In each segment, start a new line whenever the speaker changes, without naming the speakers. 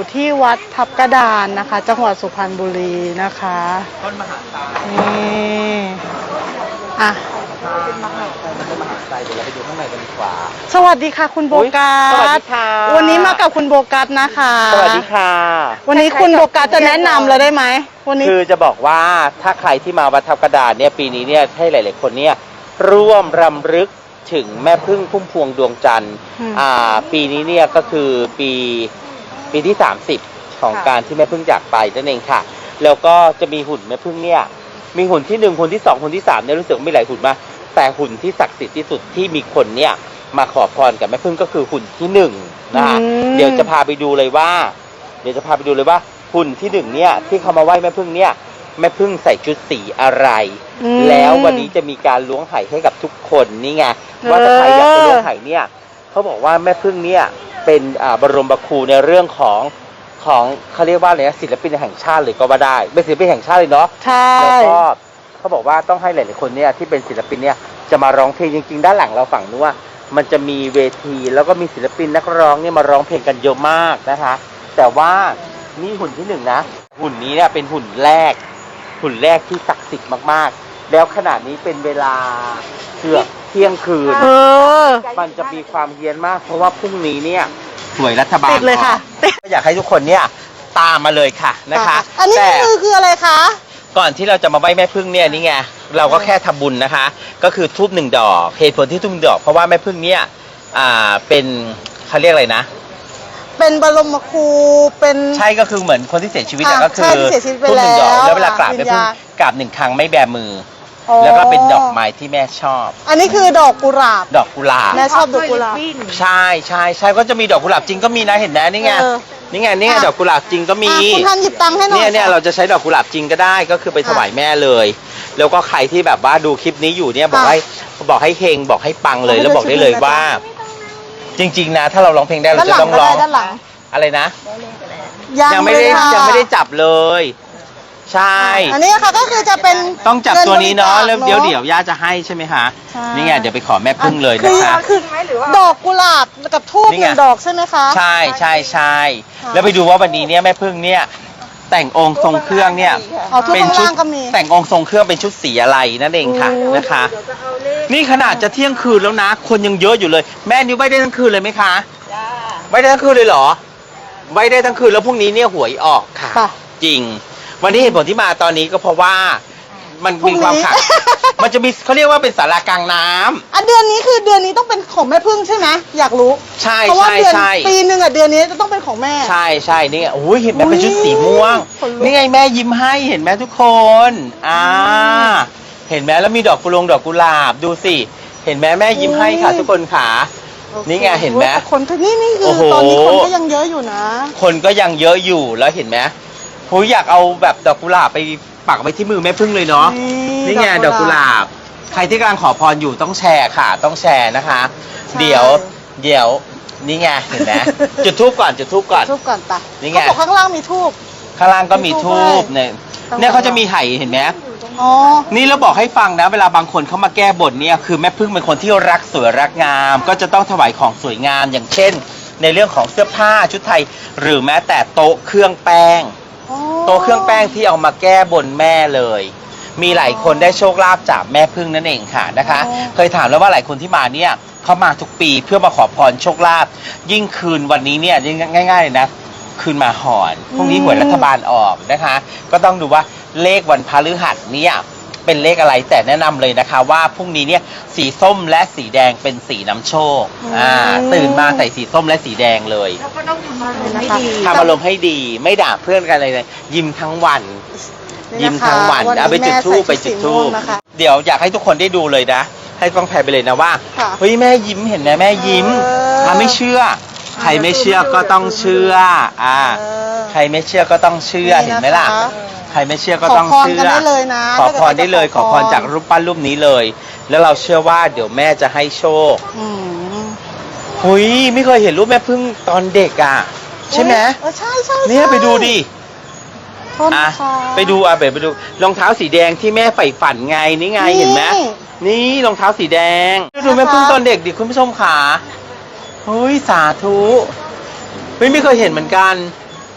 ที่วัดทับกระดานนะคะ จังหวัดสุพรรณบุรีนะคะ
ต้นมหาไซ
นี่อ่ะ
เป็นมหาไซเดี๋ยวเราไปดูข้างในกันดีกว่า
สวัสดีค่ะคุณโบกัส
สวัสดีค่ะ
วันนี้มากับคุณโบกัสนะคะ
สวัสดีค่ะ
วันนี้คุณโบกัสจะแนะนำเราได้ไหมวันนี้
คือจะบอกว่าถ้าใครที่มาวัดทับกระดานเนี่ยปีนี้เนี่ยให้หลายๆคนเนี่ยร่วมรำลึกถึงแม่พึ่งพุ่มพวงดวงจันทร์ปีนี้เนี่ยก็คือปีที่30ของการที่แม่พึ่งจากไปนั่นเองค่ะแล้วก็จะมีหุ่นแม่พึ่งเนี่ยมีหุ่นที่1หุ่นที่2หุ่นที่3เนี่ยรู้สึกมีหลายหุ่นมาแต่หุ่นที่ศักดิ์สิทธิ์ที่สุดที่มีคนเนี่ยมาขอพรกับแม่พึ่งก็คือหุ่นที่1นะคะเดี๋ยวจะพาไปดูเลยว่าหุ่นที่1เนี่ยที่เขามาไหว้แม่พึ่งเนี่ยแม่พึ่งใส่ชุดสีอะไรแล้ววันนี้จะมีการล้วงไห่ให้กับทุกคนนี่ไงว่าถ้าใครอยากจะล้วงไห่เนี่ยเขาบอกว่าแม่พึ่งเนี่ยเป็นบรมครูในเรื่องของเขาเรียกว่าอะไรนะศิลปินแห่งชาติเลยก็ว่าได้เป็นศิลปินแห่งชาติเลยเนาะ
ใช่
แล้วก็เขาบอกว่าต้องให้หลายๆคนเนี่ยที่เป็นศิลปินเนี่ยจะมาร้องเพลงจริงๆด้านหลังเราฝั่งนู้นว่ามันจะมีเวทีแล้วก็มีศิลปินนักร้องเนี่ยมาร้องเพลงกันเยอะมากนะคะแต่ว่านี่หุ่นที่1นะหุ่นนี้เนี่ยเป็นหุ่นแรกที่ศักดิ์สิทธิ์มากๆแล้วขนาดนี้เป็นเวลาเกือบเที่ยงคืนมันจะมีความเฮี้ยนมากเพราะว่าพรุ่งนี้เนี่ยหน่วยรัฐบาล
เลยค่ะ
อยากให้ทุกคนเนี่ยตามมาเลยค่ะนะคะ
อันนี้คืออะไรคะ
ก่อนที่เราจะมาไหว้แม่พึ่งเนี่ยนี่ไงเราก็แค่ทำบุญนะคะก็คือธูป1 ดอกเหตุผลที่ธูป1 ดอกเพราะว่าแม่พึ่งเนี่ยเป็นเขาเรียกอะไรนะ
เป็นบรมครูเป็น
ใช่ก็คือเหมือนคนที่เสียชีวิตก็คือ
ธูป
1 ดอกแล้วเวลากราบแม่พึ่งกราบ1 ครั้งไม่แบมือแล้วก็เป็นดอกไม้ที่แม่ชอบ
อันนี้คือดอกกุหลาบแม่ชอบดอกกุหลาบ
ใช่ก็จะมีดอกกุหลาบจริงก็มีนะเห็นไหมนี่ไงดอกกุหลาบจริงก็มี
คุณท่านหยิบตังค์ให้หน่อย
เนี่ยเราจะใช้ดอกกุหลาบจริงก็ได้ก็คือไปถวายแม่เลยแล้วก็ใครที่แบบว่าดูคลิปนี้อยู่เนี่ยบอกให้เฮงบอกให้ปังเลยแล้วบอกได้เลยว่าจริงๆนะถ้าเราร้องเพลงได้เราจะต้องร้องอะไรนะยังไม่ได้จับเลยใช่
อันนี้ค่ะก็คือจะเป็น
ต้องจับตัวนี้เนาะแล้วเดี๋ยวย่าจะให้ใช่ไหมคะนี่ไงเดี๋ยวไปขอแม่พึ่งเลยนะคะ
คือดอกกุหลาบกับธูป1 ดอกใช่ไหมคะ
ใช่แล้วไปดูว่าวันนี้เนี่ยแม่พึ่งเนี่ยแต่งองค์ทรงเครื่องเนี่ย
เป็นชุด
แต่งองค์ทรงเครื่องเป็นชุดสีอะไรนั่นเองค่ะนะคะนี่ขนาดจะเที่ยงคืนแล้วนะคนยังเยอะอยู่เลยแม่นิ้วไหว้ได้ทั้งคืนเลยไหมคะไหว้ได้ทั้งคืนเลยเหรอไหว้ได้ทั้งคืนแล้วพรุ่งนี้เนี่ยหวยออกค่ะจริงวันนี้เหตุผลที่มาตอนนี้ก็เพราะว่ามันมีความขัดมันจะมีเขาเรียกว่าเป็นศาลากลางน้ำ
เดือนนี้คือเดือนนี้ต้องเป็นของแม่พึ่งใช่ไหมอยากรู้เพราะว่าเดือนปีนึงเดือนนี้จะต้องเป็นของแม่
ใช่นี่โอ้ยเห็นไหมเป็นชุดสีม่วงนี่ไงแม่ยิ้มให้เห็นไหมทุกคนเห็นไหมแล้วมีดอกกุหลาบดูสิเห็นไหมแม่ยิ้มให้ค่ะทุกคนค่ะนี่ไงเห็นไหม
คนนี่คือตอนนี้คนก็ยังเยอะอยู่นะ
คนก็ยังเยอะอยู่แล้วเห็นไหมผมอยากเอาแบบดอกกุหลาบไปปักไว้ที่มือแม่พึ่งเลยเนาะนี่ไงดอกกุหลาบใครที่กำลังขอพรอยู่ต้องแชร์ค่ะต้องแชร์นะคะเดี๋ยวนี่ไงเห็นไหมจุดธูปก่อน
ปะนี่ไงข้างล่างมีธูป
ข้างล่างก็มีธูปเนี่ยเขาจะมีไห่เห็นไหมนี่เราบอกให้ฟังนะเวลาบางคนเขามาแก้บนเนี่ยคือแม่พึ่งเป็นคนที่รักสวยรักงามก็จะต้องถวายของสวยงามอย่างเช่นในเรื่องของเสื้อผ้าชุดไทยหรือแม้แต่โต๊ะเครื่องแป้งที่เอามาแก้บนแม่เลยมีหลายคนได้โชคลาภจากแม่พึ่งนั่นเองค่ะนะคะเคยถามแล้วว่าหลายคนที่มาเนี่ยเขามาทุกปีเพื่อมาขอพรโชคลาภยิ่งคืนวันนี้เนี่ยง่ายๆเลยนะคืนมาหอนพรุ่งนี้หวยรัฐบาลออกนะคะก็ต้องดูว่าเลขวันพฤหัสเนี่ยเป็นเลขอะไรแต่แนะนำเลยนะคะว่าพรุ่งนี้เนี่ยสีส้มและสีแดงเป็นสีน้ำโชคตื่นมาใส่สีส้มและสีแดงเลย
แล้วก็ต้องทำอ
ารมณ์ให้ดีไม่ด่าเพื่อนกันเลยยิ้มทั้งวันเอาไปจุดธูปเดี๋ยวอยากให้ทุกคนได้ดูเลยนะให้ฟังแพรไปเลยนะว่าเฮ้ยแม่ยิ้มเห็นไหมแม่ยิ้มไม่เชื่อใครไม่เชื่อก็ต้องเชื่อใครไม่เชื่อก็ต้องเชื่อเห็นไหมล่ะใครไม่เชื่อก็ต้องเชื่อขอพรได้เลยขอพรจากรูปปั้นรูปนี้เลยแล้วเราเชื่อว่าเดี๋ยวแม่จะให้โชคหุยไม่เคยเห็นรูปแม่พึ่งตอนเด็กใช่ไหม
ใช่
เนี่ยไปดูดิไปดูไปดูรองเท้าสีแดงที่แม่ใฝ่ฝันไงนี่ไงเห็นไหมนี่รองเท้าสีแดงดูแม่พึ่งตอนเด็กดิคุณผู้ชมขาเฮ้ยสาธุไม่เคยเห็นเหมือนกัน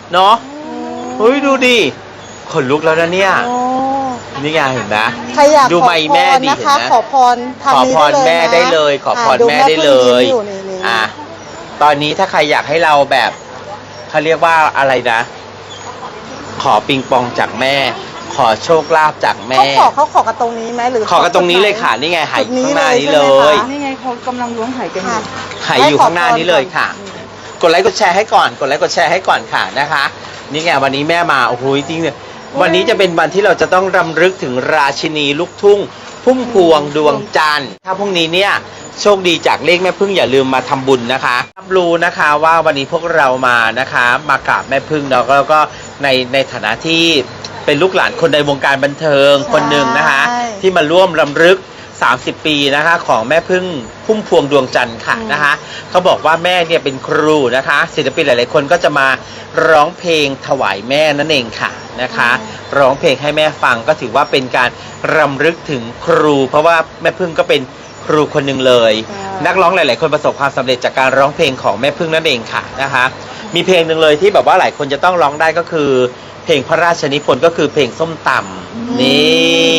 เนาะเฮ้ยดูดิขนลุกแล้วนะเนี่ยนี่ไงเห็นไหม
ใครอยาก
ดู
ขอ
ไมค์
พ
แม่
ร
ดิ
นะ
เห็น
คะ
ไหม
ขอพรทาง
ขอ
นี้
พรแม่ได้เลยขอพรแม่ได้เลย
ดูแม่พึ่งยิ้มอยู่นี่
ตอนนี้ถ้าใครอยากให้เราแบบเขาเรียกว่าอะไรนะ ขอปิงปองจากแม่ ขอโชคลาภจากแม่
เขาขอกันตรงนี้ไหมหรือ
ขอกันตรงนี้เลยค่ะนี่ไงไหข้างหน้านี้เลย
นี่ไงเขากำลังล้วงไหกันอยู่
ไหอยู่ข้างหน้านี้เลยค่ะ กดไลค์กดแชร์ให้ก่อนกดไลค์กดแชร์ให้ก่อนค่ะนะคะนี่ไงวันนี้แม่มาโอ้โหจริงเนี่ยวันนี้จะเป็นวันที่เราจะต้องรำลึกถึงราชินีลูกทุ่งพุ่มพวงดวงจันทร์ถ้าพรุ่งนี้เนี่ยโชคดีจากเลขแม่พึ่งอย่าลืมมาทำบุญนะคะรับรู้นะคะว่าวันนี้พวกเรามานะคะมากราบแม่พึ่งแล้วก็ในฐานะที่เป็นลูกหลานคนในวงการบันเทิงคนหนึ่งนะคะ ที่มาร่วมรำลึก30 ปีนะคะของแม่พึ่งพุ่มพวงดวงจันทร์ค่ะนะคะเขาบอกว่าแม่เนี่ยเป็นครูนะคะศิลปินหลายๆคนก็จะมาร้องเพลงถวายแม่นั่นเองค่ะนะคะร้องเพลงให้แม่ฟังก็ถือว่าเป็นการรำลึกถึงครู เพราะว่าแม่พึ่งก็เป็นครูคนหนึ่งเลย นักร้องหลายๆคนประสบความสำเร็จจากการร้องเพลงของแม่พึ่งนั่นเองค่ะนะคะมีเพลงหนึ่งเลยที่แบบว่าหลายคนจะต้องร้องได้ก็คือเพลงพระราชนิพนธ์ก็คือเพลงส้มตำนี่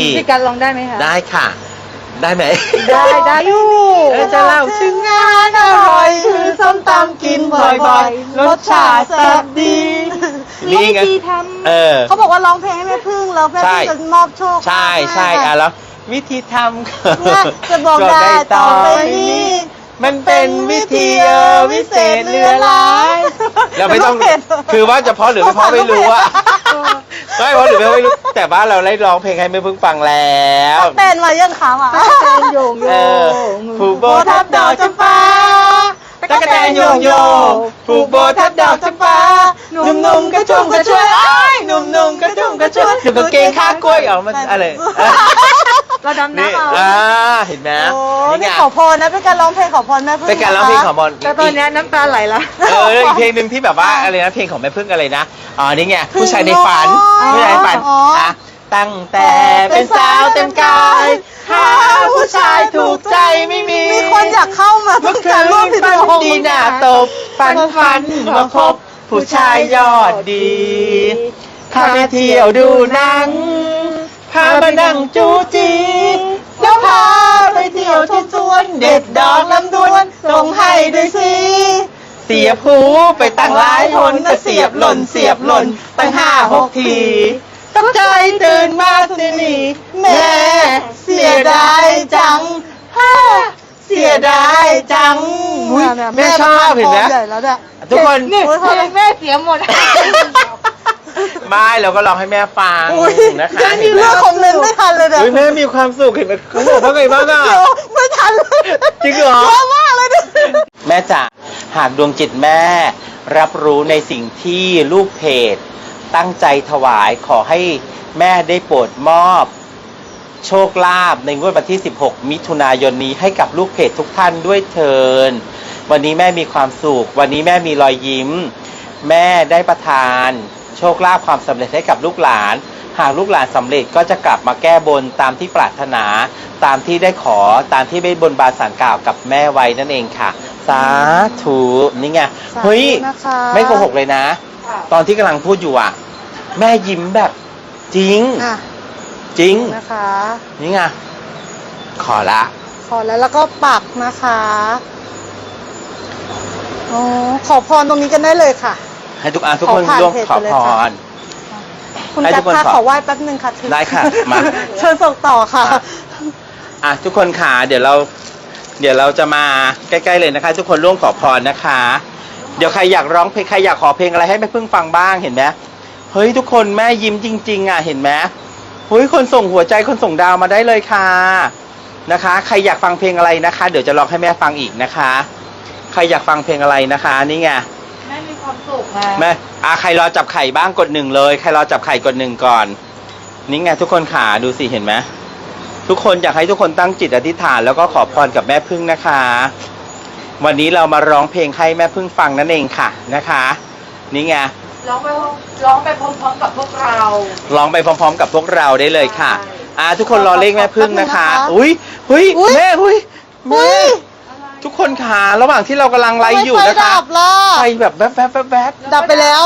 พี่การร้องได้ไหมคะ
ได้ค่ะ ได้ไหม
ได้อยู่
จะเล่าถึงงานอร่อยคือส้มตำกินบ่อยๆรสชาติแซ่บดีนี่ไง
เขาบอกว่าร้องเพลงให้แม่พึ่งแล้วแม่พึ่งจะมอบโชค
ใช่อ่ะแล้ววิธีทำ
จะบอกได้ต่อไปนี้
มันเป็นวิธีวิเศษเหลือหลายเราไม่ต้องคือว่าจะเพราะหรือไม่เพราะไม่รู้อะไม่เพราะหรือไม่รู้แต่ว่าเราได้ร้องเพลงให้แม่พึ่งฟังแล้ว
เต้นมายังขาอ่ะเต้นโยงโย
ผูกโบทับดอกจำปาตะกะแตนโยงโยผูกโบทับดอกจำปาหนุ่มๆกระชุ่มกระชวยหนุ่มๆกระชุ่มกระชวยหนุ่มกางเกงข้ากล้วยมันอะไร
เราดำน้ำเอา
เห็นไหม
นี่ขอพรนะเป็นการร้องเพลงขอพรแม่พึ่ง
เป็นการร้องเพลงขอพร
แต่ตอนนี้น้ำตาไหลละ
อีกเพลงหนึ่งที่แบบว่าอะไรนะเพลงของแม่พึ่งอะไรนะอ๋อนี่ไงผู้ชายในฝันผู้ชายในฝันนะตั้งแต่เป็นสาวเต็มกายหาผู้ชายถูกใจไม่มี
มีคนอยากเข้ามาต้องการร่วมผิดโง
ดีหน้าตบฝันมาพบผู้ชายยอดดีพาไปเที่ยวดูหนังพามานั่งจูจีแล้วพาไปเที่ยวที่สวนเด็ดดอกลำดวนส่งให้ด้วยสิเสียบหูไปตั้งหลายหนเสียบหล่นตั้ง5-6 ทีตกใจตื่นมาสินี่แม่เสียดายจังเสียดายจังแม่ชอบเห็นไหมทุกคน
นี่แม่เสียหมด
ไม่เราก็ร้องให้แม่ฟังนะคะ
เรื่องของเล่นไม่ทันเลยเนี่ย
แม่มีความสุขเห็นไหมเขาบอกว่าไงบ้างอ่ะ
ไม่ทันเลย
จริงเหรอ
เยอะมากเลยเนี่ย
แม่จ๋าหากดวงจิตแม่รับรู้ในสิ่งที่ลูกเพจตั้งใจถวายขอให้แม่ได้โปรดมอบโชคลาภในงวดวันที่ 16 มิถุนายนนี้ให้กับลูกเพจทุกท่านด้วยเถิดวันนี้แม่มีความสุขวันนี้แม่มีรอยยิ้มแม่ได้ประทานโชคลาภความสำเร็จให้กับลูกหลานหากลูกหลานสำเร็จก็จะกลับมาแก้บนตามที่ปรารถนาตามที่ได้ขอตามที่ได้บนบานศาลกล่าวกับแม่ไว้นั่นเองค่ะสาธุนี่ไงเฮ้ยไม่โกหกเลยนะตอนที่กำลังพูดอยู่อ่ะแม่ยิ้มแบบจริงจริง
นะคะ
นี่ไงขอ
แล้วก็ปักนะคะอ๋อขอพรตรงนี้กันได้เลยค่ะ
ให้ทุกคนร่วมขอพร
คุณจักรค่ะขอไหว้แป๊บนึงค่ะ
ได้ค่ะมา
เชิญส่งต่อค่ะ
ทุกคนค่ะเดี๋ยวเราจะมาใกล้ๆเลยนะคะทุกคนร่วมขอพรนะคะเดี๋ยวใครอยากร้องเพลงใครอยากขอเพลงอะไรให้แม่พึ่งฟังบ้างเห็นไหมเฮ้ยทุกคนแม่ยิ้มจริงๆอ่ะเห็นไหมเฮ้ยคนส่งหัวใจคนส่งดาวมาได้เลยค่ะนะคะใครอยากฟังเพลงอะไรนะคะเดี๋ยวจะร้องให้แม่ฟังอีกนะคะใครอยากฟังเพลงอะไรนะคะนี่ไง
แม่มีความสุขนะ
แม่ใครรอจับไข่บ้างกด1เลยใครรอจับไข่กด1ก่อนนี่ไงทุกคนขาดูสิเห็นไหมทุกคนอยากให้ทุกคนตั้งจิตอธิษฐานแล้วก็ขอพรกับแม่พึ่งนะคะวันนี้เรามาร้องเพลงให้แม่พึ่งฟังนั่นเองค่ะนะคะนี่ไง
ร้องไปพร้อมๆกับพวกเรา
ร้องไปพร้อมๆกับพวกเราได้เลยค่ะทุกคนรอเลขแม่พึ่งนะคะอุ้ยแม่ทุกคนขาระหว่างที่เรากำลังไลฟ์อยู่นะคะไฟแบบแวบ
ดับไปแล้ว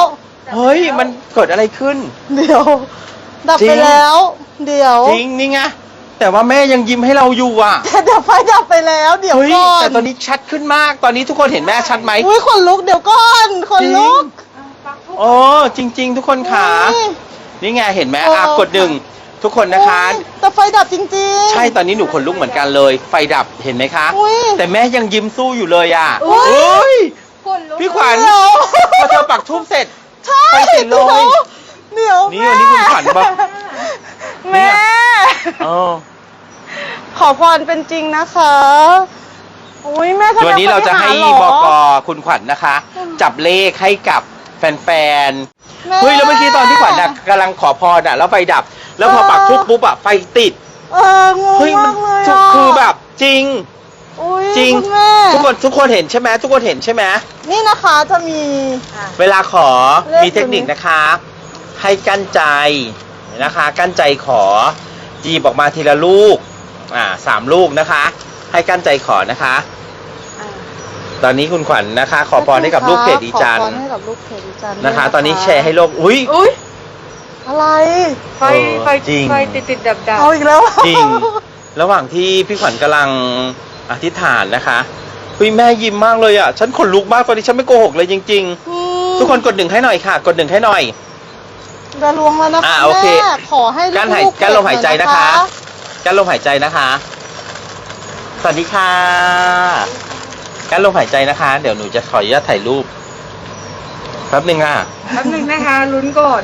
เฮ้ยมันเกิดอะไรขึ้น
เดี๋ยว ดับ
จริ
ไป
ง
แล้ว เดี๋ยว
จริงนี่ไงแต่ว่าแม่ยังยิ้มให้เราอยู่อ่ะ
แต่เดี๋ยวไฟดับไปแล้ว เดี๋ยว
เฮ้ย
ก่อน
แต่ตอนนี้ชัดขึ้นมาก ตอนนี้ทุกคนเห็นแม่ชัดไหม
อุ้ยขนลุกเดี๋ยวก่อนขนลุก
โอ้จริง ๆ ทุกคนขา
อุ๊ย
นี่ไงเห็นไหม
โอ้
กดหนึ่งทุกคนนะคะ
อุ๊ยแต่ไฟดับจริงๆ
ใช่ตอนนี้หนูขนลุกเหมือนกันเลย ไฟดับเห็นไหมคะ
อุ๊ย
แต่แม่ยังยิ้มสู้อยู่เลยอ่ะ
อุ๊ย
เฮ้ย
คนลุก
พี่ขวัญ
เดี๋ยว
พอเธอปักทูบเสร็จ
ใช่
ไฟติดเลย
เดี๋ยว
นี่วันนี้คุณขวัญบอก
แม่
เออ
ขอพรเป็นจริงนะคะอุ้ยแม่แสดง
วันนี้เราจะให้
ปฏิ
บ
หาร
ก
เหรอ
คุณขวัญนะคะ จับเลขให้กับแฟน
แม่
ๆเฮ้ยแล้วเมื่อกี้ตอนที่ขวัญน่ะกำลังขอพรอ่ะแล้วไฟดับ แล้วพอปักทูบปุ๊บอ่ะไฟติด
งง
เฮ้ย
มากเลยะ
คือแบบจริง
อุ๊ย
จริง
คุณแม่
ทุกคนเห็นใช่ไหมทุกคนเห็นใช่ไหม
นี่นะคะจะมี
เวลาขอ
เลข
มีเทคนิคนะคะ ให้กั้นใจนะคะ กั้นใจขอจีบออกมาทีละลูก3 ลูกนะคะ ให้กั้นใจขอนะคะ ตอนนี้คุณขวัญนะคะ ขอพรให้กับลูกเพจดีจัน
ขอพรให้กับลูกเพจดีจัน
นะคะ
ด้วย
ตอนนี้แชร์ให้โลกอุ้ย
อุ้ย
อะไร
ไฟไฟ
จริง
ไฟติดดับ
เอาอีกแล้ว
จริง ระหว่างที่พี่ขวัญกำลังอธิษฐานนะคะอุ้ยแม่ยิ้มมากเลยอ่ะฉันขนลุกมากตอนนี้ฉันไม่โกหกเลยจริง ๆ ทุกคนกด1ให้หน่อยค่ะ กด1ให้หน่อย
จะลวงแล้วนะคะ
โอเค
แม่ขอให้ลูก
กั้นลมหายใจนะคะ กั้นลมหายใจนะคะ สวัสดีค่ะกั้นลมหายใจนะคะ เดี๋ยวหนูจะขออนุญาตถ่ายรูปแป๊บนึงอ่ะ
ๆแป๊บนึงนะคะลุ้นก่อน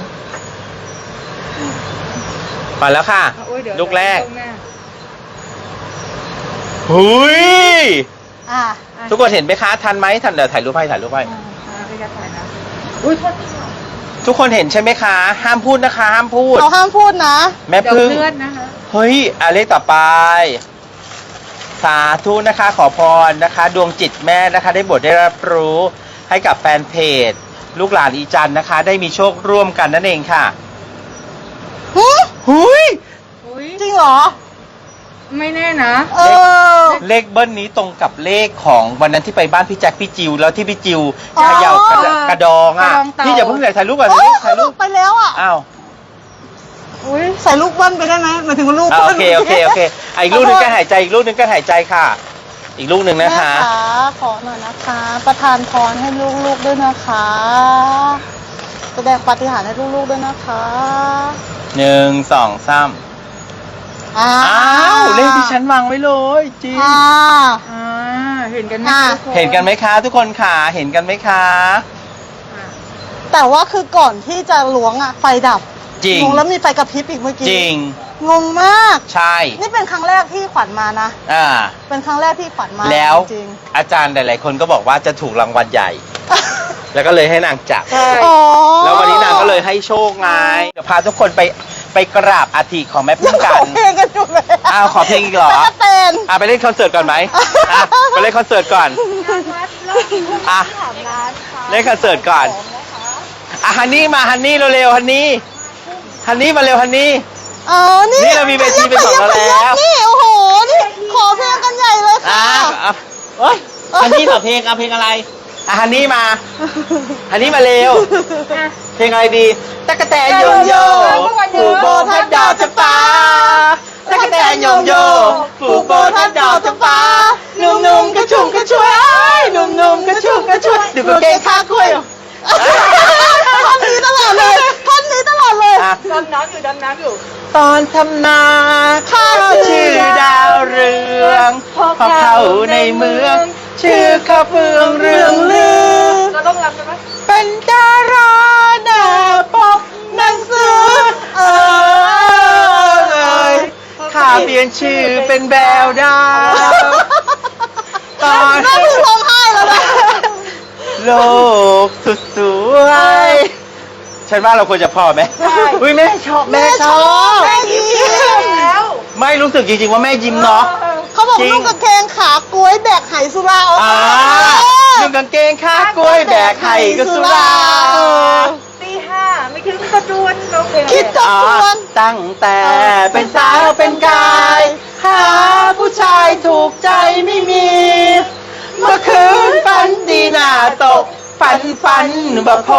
มาแล้วค่ะ
โอ้ยเดี๋ยว
ลูกแรก
ตรงหน้า
หุย
อ่ะ
ทุกคนเห็นไหมคะทันไหมทันเดี๋ยวถ่ายรูปให้
อ่าไปกันถ่ายนะอุ้ยโทษทีค่ะ
ทุกคนเห็นใช่ไหมคะ ห้ามพูดนะคะ ห้ามพูด
เราห้ามพูดนะ
แม่
เดี๋ยว
พึ่ง
เลื่อนนะคะ
เฮ้ยเลขต่อไป สาธุนะคะ ขอพรนะคะ ดวงจิตแม่นะคะ ได้บทได้รับรู้ให้กับแฟนเพจ ลูกหลานอีจันนะคะ ได้มีโชคร่วมกันนั่นเองค่ะ
หึ
หุย
อุ้ย
จริงเหรอ
ไม่แน่นะ
เออ
เลขเบิ้ลนี้ตรงกับเลขของวันนั้นที่ไปบ้านพี่แจ็คพี่จิวแล้วที่พี่จิว
อ๋อ
เขย่ากระดองอ่ะ
กระดองเต่า
พี่อย่าเพิ่งถ่ายรูปก่อน
โอ้ย
ถ่ายรูป
ไปแล้วอ่ะ
อ้าว
อุ้ยใส่ลูกเบิ้ลไปได้ไหมหมายถึงว่าลูก
โอ
บิ้ล
เคอีกลูกหนึงก็หายใจอีกลูกหนึงก็หายใจค่ะ อีกลูกหนึ่งนะคะ
แม่ขอหน่อยนะคะ ประทานพรให้ลูกๆด้วยนะคะแสดงปาฏิหาริย์ให้ลูกๆด้วยนะคะ
1 2 3อ้าวเลขที่ฉันวางไว้เลยจริง
อ่า
อ่าเห็นกันไหม
อ่ะ
ทุค
เห็นกันไหมคะทุกคนค่ะเห็นกันไหมคะ
อ่ะ
แต่ว่าคือก่อนที่จะล้วงอ่ะไฟดับ
จริง
งงแล้วมีไฟกระพริบอีกเมื่อกี้
จริง
งงมาก
ใช่
นี่เป็นครั้งแรกที่ขวัญมานะ
อ่า
เป็นครั้งแรกที่ขวัญมา
แล้ว
จริง
อาจารย์หลาย ๆ คนก็บอกว่าจะถูกรางวัลใหญ่ แล้วก็เลยให้นางจับ
ใช่
ๆอ๋อ
แล้ววันนี้นางก็เลยให้โชคไงเดี๋ยวพาทุกคนไปกราบอัฐิของแม่พึ่งกั
ขอน เพลงกันอยู่เลย
อ้าวขอเพลงอีกเหรอ
ตะกะแตน
ไปเล่นคอนเสิร์ตก่อนไหมไปเล่นคอนเสิร์ตก่อน
งานวัดรอบนี้
อ่ะ
ถามร้านค่ะ
เล่นคอนเสิร์ตก่อนฮันนี่มาฮันนี่เร็วๆฮันนี่มาเร็วฮันนี่
อ๋อนี่
นี่เรามีเวทีเป็นของเราแล้ว
นี่โอ้โหนี่ขอเพลงกันใหญ่เลยค่ะ
โอ้ยฮันนี่ขอเพลงเอาเพลงอะไรฮันนี่มาเร็ว
อ่ะ
เพลงอะไรดีตั๊กแตนโยงโยผูกโบทัดดอกจำปาตั๊กแตนโยงโยผูกโบทัดดอกจำปาหนุ่มๆกระชุ่มกระชวยหนุ่มๆกระชุ่มกระชวยดูกางเกงขากล้วย
ท่อนนี้ตลอดเลยท่อนนี้ตลอดเลย
อ่ะ
ดำน้ำอยู่
ตอนทำนาข้าชื่อดาวเรืองพอเข้าในเมือง ชื่อข้าเฟืองเรืองลือ
เราต้องรับกันไหม
เป็นดาราหน้าปกหนังสือข้าเปลี่ยนชื่อเป็นแบวดาวตอน
แม่ถึงร้องไห้แล้วนะ
โลกสุดสวยฉันว่าเราควรจะพอไหมอุ้ยแม่ชอบ
แม่ยิ้ม
แล้ว
ไม่รู้สึกจริงๆว่าแม่ยิ้มเนาะ
เขาบอก
จริง
ลูกกางเกงขากล้วยแบกไหสุราเอา
นุ่งกางเกงขากล้วยแบกไข่ก็สุรา
ตีห้าไม่คิดว่าจะดวนเราเพลง
คิดจะชวน
ตั้งแต่เป็นสาวเป็นกายหาผู้ชายถูกใจไม่มี เมื่อคืนฝันดีหน้าตกฝันบ่พบ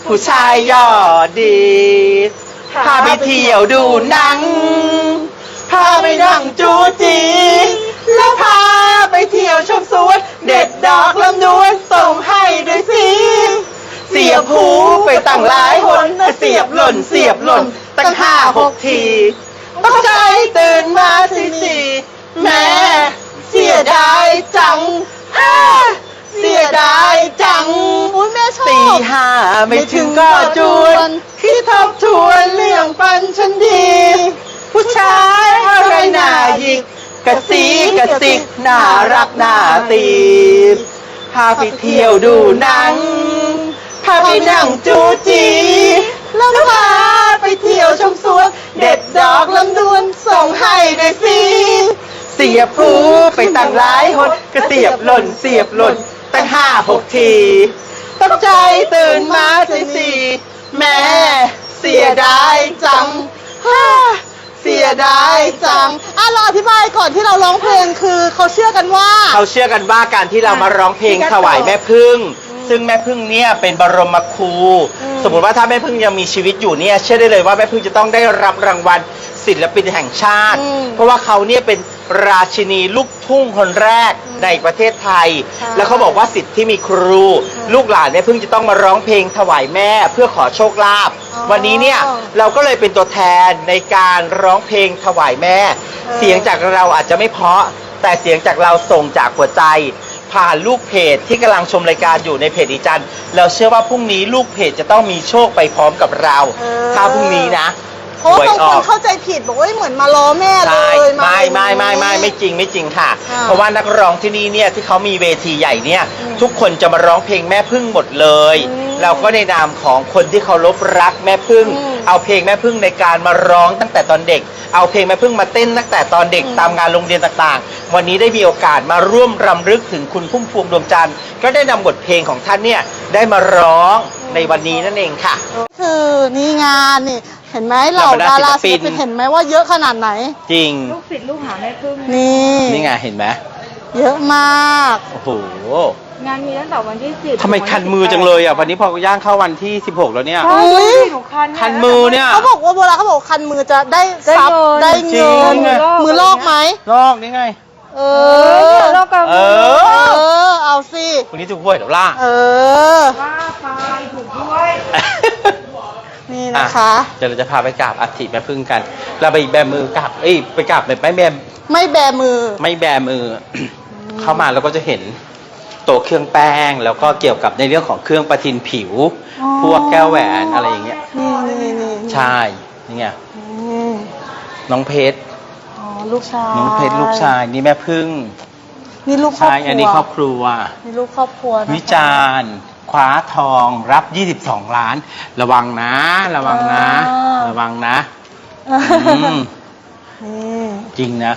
ผู้ชายยอดดีพาไปเที่ยวดูหนังพาไปนั่งจูจีแล้วพาไปเที่ยวชมสวนเด็ดดอกลำดวนส่งให้ด้วยสิเสียบหูไปตั้งหลายหนเสียบหล่นตั้ง5-6 ทีตกใจตื่นมาทีแม่เสียดายจังเสียดายจัง
อุ้ยแม่ชอบ
ตี5ไม่ถึงก็จวนคิดทบทวนเรื่องปันฉันดี ผู้ชายอะไรหน้าหยิกกระซีกระซิกน่ารักน่าตีบพาไปเที่ยวดูหนังพาไปนั่งจูจีแล้วพาไปเที่ยวชมสวนเด็ดดอกลำดวนส่งให้ด้วยสิเสียบหูไปตั้งหลายหนก็เสียบหล่นตั้ง5-6 ทีตกใจตื่นมาทีแม่เสียดายจังเสียดายจัง
เราอธิบายก่อนที่เราร้องเพลงคือเขาเชื่อกันว่า
เขาเชื่อกันว่าการที่เรามาร้องเพลงถวายแม่พึ่ง ซึ่งแม่พึ่งเนี่ยเป็นบรมครู สมมติว่าถ้าแม่พึ่งยังมีชีวิตอยู่เนี่ยเชื่อได้เลยว่าแม่พึ่งจะต้องได้รับรางวัลศิลปินแห่งชาติ เพราะว่าเขาเนี่ยเป็นราชินีลูกทุ่งคนแรกในประเทศไทย แล้วเขาบอกว่าสิทธิ์ที่มีครู ลูกหลานแม่พึ่งจะต้องมาร้องเพลงถวายแม่เพื่อขอโชคลาภวันนี้เนี่ยเราก็เลยเป็นตัวแทนในการร้องเพลงถวายแม่ เสียงจากเราอาจจะไม่เพราะแต่เสียงจากเราส่งจากหัวใจผ่านลูกเพจที่กำลังชมรายการอยู่ในเพจอีจันเราเชื่อว่าพรุ่งนี้ลูกเพจจะต้องมีโชคไปพร้อมกับเราถ้าพรุ่งนี้นะ
เพราะว่าบางคนเข้าใจผิดบอกว่าเหมือนมาล้อแม่เลย
ไม่จริงค่ะ เพราะว่านักร้องที่นี่เนี่ยที่เขามีเวทีใหญ่เนี่ยทุกคนจะมาร้องเพลงแม่พึ่งหมดเลยเราก็ในนามของคนที่เคารพรักแม่พึ่งเอาเพลงแม่พึ่งในการมาร้องตั้งแต่ตอนเด็กเอาเพลงแม่พึ่งมาเต้นตั้งแต่ตอนเด็กตามงานโรงเรียนต่างๆวันนี้ได้มีโอกาสมาร่วมรำลึกถึงคุณพุ่มพวงดวงจันทร์ก็ได้นำบทเพลงของท่านเนี่ยได้มาร้องในวันนี้นั่นเองค่ะ
คือนี่งานนี่เห็นไหมเหล่าดาราศิลปินเห็นไหมว่าเยอะขนาดไหน
จริง
ลูกศิษย์ลูกหาแม่พึ่ง
นี่
ไงเห็นไหม
เยอะมาก
โอ้โห
งานมีตั้งแต่วันที่10
ทำไมคันมือจังเลยอ่ะวันนี้พอย่างเข้าวันที่16แล้วเนี่ย
ใช่
อุ๊ย
หนูคัน
คันมือเนี่ย
เขาบอกว่าโบราณเขาบอกคันมือจะได้ทรัพย์ได้เงิน
จริง
มือลอกไหม
ลอกนี่ไง
เอ
โลกกับ
เอ
มือ
เอาสิ
วันนี้ถูกหวยเดี๋ยวล่า
ว่าไปถูกด้วย
นี่นะคะ
เดี๋ยวเราจะพาไปกราบอัฐิแม่พึ่งกัน เราไปแบมือกราบไปกราบแบบไม่แบ
ไม่แบมือ
ไม่แบมือ เข้ามาเราก็จะเห็นโต๊ะเครื่องแป้งแล้วก็เกี่ยวกับในเรื่องของเครื่องประทินผิว
อ๋อ
พวกแก้วแหวนอะไรอย่างเงี้ย
นี่
ใช่นี่ไง
นี่
น้องเพชร
อ๋อลูกชาย
น้องเพชรลูกชายนี่แม่พึ่ง
นี่ลูกครอบ
ใช่
ครัว
อันนี้ครอบครัว
นี่ลูกครอบครัวนะคะ
วิจารณ์คว้าทองรับ 22 ล้าน ระวังนะ ระวังนะ ระวังนะอืม
นี่
จริงนะ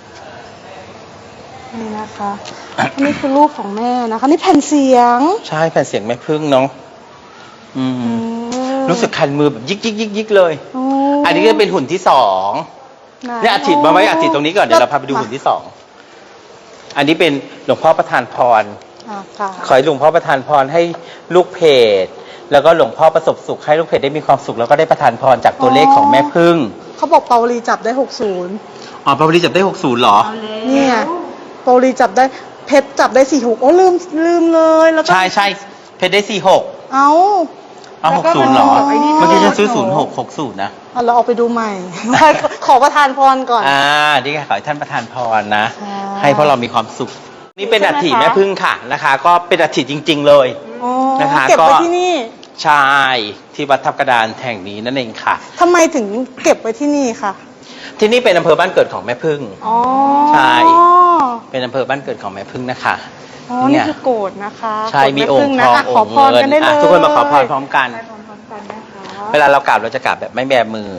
นี่นะคะนี่คือรูปของแม่นะคะนี่แผ่นเสียง
ใช่แผ่นเสียงแม่พึ่งเนาะอืม
อืม
รู้สึกคันมือแบบยิกเลย
โอ้
อันนี้ก็เป็นหุ่นที่2เนี่ยอาทิตย์มาไว้อาทิตย์ตรงนี้ก่อนเดี๋ยวเราพาไปดูหุ่นที่2อันนี้เป็นหลวงพ่อประทานพร
ค่ะ
ขอให้หลวงพ่อประทานพรให้ลูกเพจแล้วก็หลวงพ่อประสบสุขให้ลูกเพจได้มีความสุขแล้วก็ได้ประทานพรจากตัวเลขของแม่พึ่ง
เขาบอกเปาลีจับได้60
อ๋อปาริจับได้60เหรอ
นี่ไงเปาลีจับได้เพชรจับได้46โอ้ลืมเลยแล้วก็
ใช่เพชรได้46
เอ้า
เอา60เหรอเมื่อกี้ฉันซื้อ0660นะ
เราเอาไปดูใหม่ ขอประทานพรก่อน
นี่ไงขอให้ท่านประทานพรนะ
ค่ะ
ให้พวกเรามีความสุข นี่เป็นอัฐิแม่พึ่งค่ะนะคะ ก็เป็นอัฐิจริง ๆ เลย
อ๋อ
นะคะ
เก็บไว้
ก็
ที่นี่
ใช่ที่วัดทับกระดานแห่งนี้นั่นเองค่ะ
ทำไมถึงเก็บไว้ที่นี่คะ
ที่นี่เป็นอำเภอบ้านเกิดของแม่พึ่ง
อ๋อ
ใช่ เป็นอำเภอบ้านเกิดของแม่พึ่งนะคะ
อ๋อนี่คือโกรธนะคะ
ใช่มีองค์ทอง
ขอ
องค์
พร
เงิ
กัน
น
ได้เลย
ทุกคนมาขอพรพร้อมกัน
ไปพร้อมๆกันนะคะ
เวลาเรากราบเราจะกราบแบบไม่แบมือ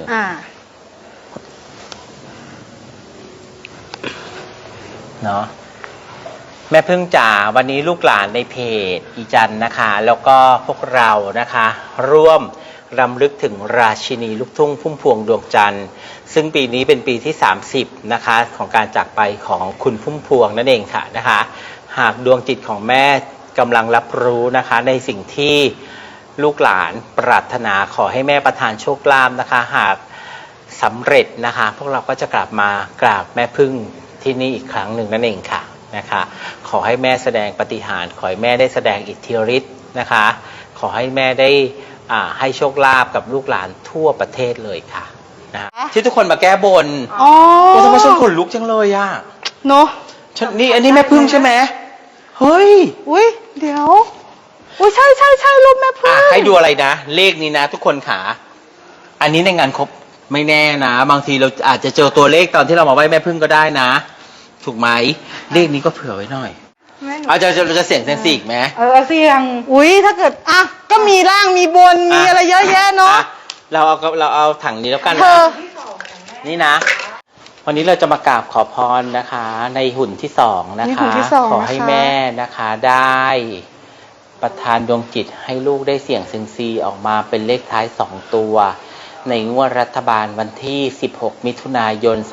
เนาะแม่พึ่งจ๋าวันนี้ลูกหลานในเพจอีจันนะคะ แล้วก็พวกเรานะคะ ร่วมรำลึกถึงราชินีลูกทุ่งพุ่มพวงดวงจันทร์ซึ่งปีนี้เป็นปีที่30นะคะของการจากไปของคุณพุ่มพวงนั่นเองค่ะนะคะ หากดวงจิตของแม่กำลังรับรู้นะคะในสิ่งที่
ลูกหลานปรารถนาขอให้แม่ประทานโชคลาภนะคะ หากสำเร็จนะคะ พวกเราก็จะกลับมากราบแม่พึ่งที่นี่อีกครั้งหนึ่งนั่นเองค่ะนะคะ ขอให้แม่แสดงปาฏิหาริย์ขอให้แม่ได้แสดงอิทธิฤทธิ์นะคะ ขอให้แม่ได้ให้โชคลาภกับลูกหลานทั่วประเทศเลยค่ะนะที่ทุกคนมาแก้บน
อ๋อ
โอ้ทำไมฉันขนลุกจังเลยอ่ะ
เนาะ
นี่อันนี้แม่พึ่งใช่ไหมเฮ้ย
อุ้ยเดี๋ยวอุ้ยใช่รูปแม่พึ่ง
ให้ดูอะไรนะ เลขนี้นะ ทุกคนขาอันนี้ในงานครบไม่แน่นะ บางทีเราอาจจะเจอตัวเลขตอนที่เรามาไหว้แม่พึ่งก็ได้นะ ถูกไหมเลขนี้ก็เผื่อไว้หน่อย
แม่หนู
เอาจะเสี่ยงเซยมซีอีกไหม
เสี่ยง
อุ้ยถ้าเกิดอ่ะก็มีล่างมีบนมีอะไรเยอะแยะเนาะ
อ่เราเอาถังนี้แล้วกัน
เธ
นะ
อ
นี่นะ วันนี้เราจะมากราบขอพรนะคะ ในหุ่นที่สองนะ
นี่
คะ
หุ่นที่สอง
ขอให้
นะคะ
แม่นะคะได้ประทานดวงจิตให้ลูกได้เสี่ยงเซิงซีออกมาเป็นเลขท้าย2ตัว ในงวดรัฐบาลวันที่ 16 มิถุนายน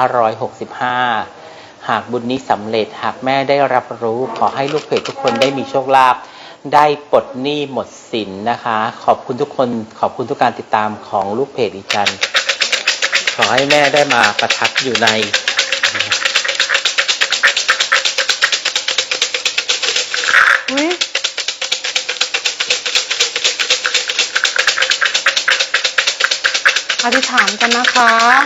2565 หากบุญนี้สำเร็จหากแม่ได้รับรู้ขอให้ลูกเพจทุกคนได้มีโชคลาภได้ปลดหนี้หมดสินนะคะ ขอบคุณทุกคนขอบคุณทุกการติดตามของลูกเพจอีจันขอให้แม่ได้มาประทับอยู่ใน
อุ้ยอธิษฐานกันนะคะ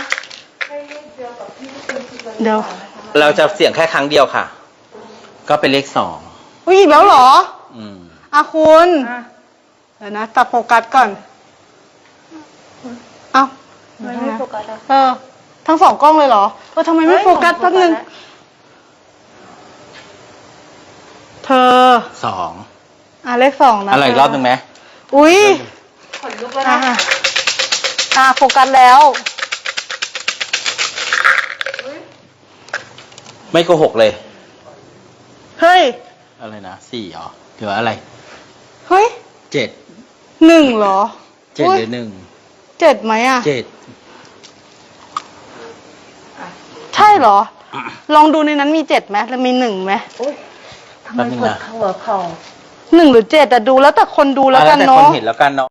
เดี๋ยว
เราจะเสี่ยงแค่ครั้งเดียวค่ะ ก็เป็นเลข2
อุ้ยอีกแล้วเหรอ
อืม
อ่ะคุณ
อ่ะ
เดี๋ยวนะจับโฟกัสก่อน เอ้า
มันไม่โฟกัสอ่ะ
ทั้งสองกล้องเลยเหรอทำไมไม่โฟกัสแป๊บนึง เธอ
2
เลขสองนะ
อะไรอีกรอบหนึ่งไหม
อุ้ย
ขนลุกแล้ว
อ่ะ
นะ
โฟกัสแล้ว
ไม่โกหกเลย
เฮ้ย
อะไรนะ4เหรอหรือว่าอะไร
เฮ้ย
7
หนึ่งเหรอ
7
อุ๊ย
หรือ
เจ็ดไหมอ่ะ
1 7
ใช่เหรอ ลองดูในนั้นมีเจ็ดไหมแล้วมีหนึ่งไหม
ทำไมปวดเข่าหัวเข่า
หนึ่งหรือเจ็ดแต่ดูแล้วแต่คนดูแล้วกัน
แต่ค
เนาะ
นเห็นแล้วกันเนาะ